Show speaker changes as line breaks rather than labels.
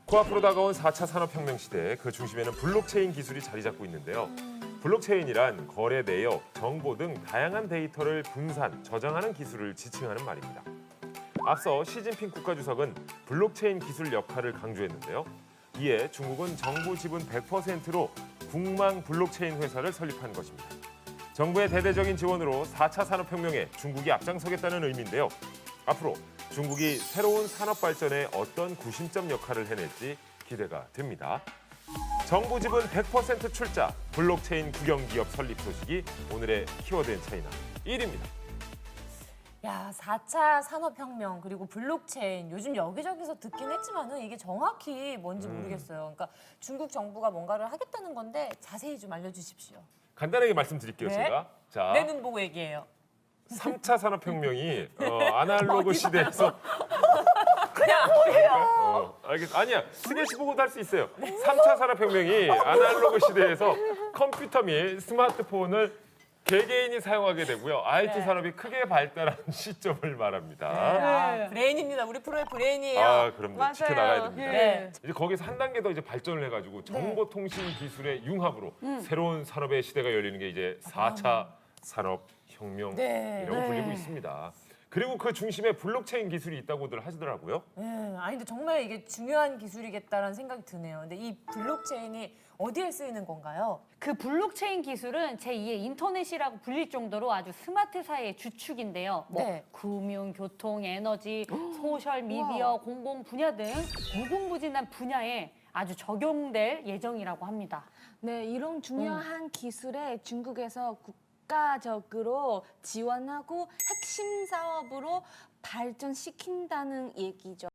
코앞으로 다가온 4차 산업혁명 시대, 그 중심에는 블록체인 기술이 자리 잡고 있는데요. 블록체인이란 거래 내역, 정보 등 다양한 데이터를 분산, 저장하는 기술을 지칭하는 말입니다. 앞서 시진핑 국가주석은 블록체인 기술 역할을 강조했는데요. 이에 중국은 정부 지분 100%로 국망 블록체인 회사를 설립한 것입니다. 정부의 대대적인 지원으로 4차 산업혁명에 중국이 앞장서겠다는 의미인데요. 앞으로 중국이 새로운 산업 발전에 어떤 구심점 역할을 해낼지 기대가 됩니다. 정부 지분 100% 출자, 블록체인 국영기업 설립 소식이 오늘의 키워드인 차이나 1위입니다.
야, 4차 산업혁명 그리고 블록체인 요즘 여기저기서 듣긴 했지만은 이게 정확히 뭔지 모르겠어요. 그러니까 중국 정부가 뭔가를 하겠다는 건데 자세히 좀 알려주십시오.
간단하게 말씀드릴게요,
네?
제가. 자,
내 눈 보고 얘기해요.
3차 산업혁명이 아날로그 시대에서
그냥
아니야, 스케치 보고도 할 수 있어요. 3차 산업혁명이 아날로그 시대에서 컴퓨터 및 스마트폰을 개개인이 사용하게 되고요. IT 산업이 크게 발달한 시점을 말합니다.
아, 브레인입니다. 우리 프로의 브레인이에요.
아, 그럼요.
맞아요.
지켜나가야 됩니다.
네.
이제 거기서 한 단계 더 이제 발전을 해가지고 정보통신 기술의 융합으로 새로운 산업의 시대가 열리는 게 이제 4차 산업혁명이라고
네.
불리고 있습니다. 그리고 그 중심에 블록체인 기술이 있다고들 하시더라고요.
아니 근데 정말 이게 중요한 기술이겠다라는 생각이 드네요. 근데 이 블록체인이 어디에 쓰이는 건가요?
그 블록체인 기술은 제2의 인터넷이라고 불릴 정도로 아주 스마트 사회의 주축인데요.
네.
금융, 교통, 에너지, 소셜 미디어, 공공 분야 등 무궁무진한 분야에 아주 적용될 예정이라고 합니다.
네, 이런 중요한 기술에 중국에서 국가적으로 지원하고 핵심 사업으로 발전시킨다는 얘기죠.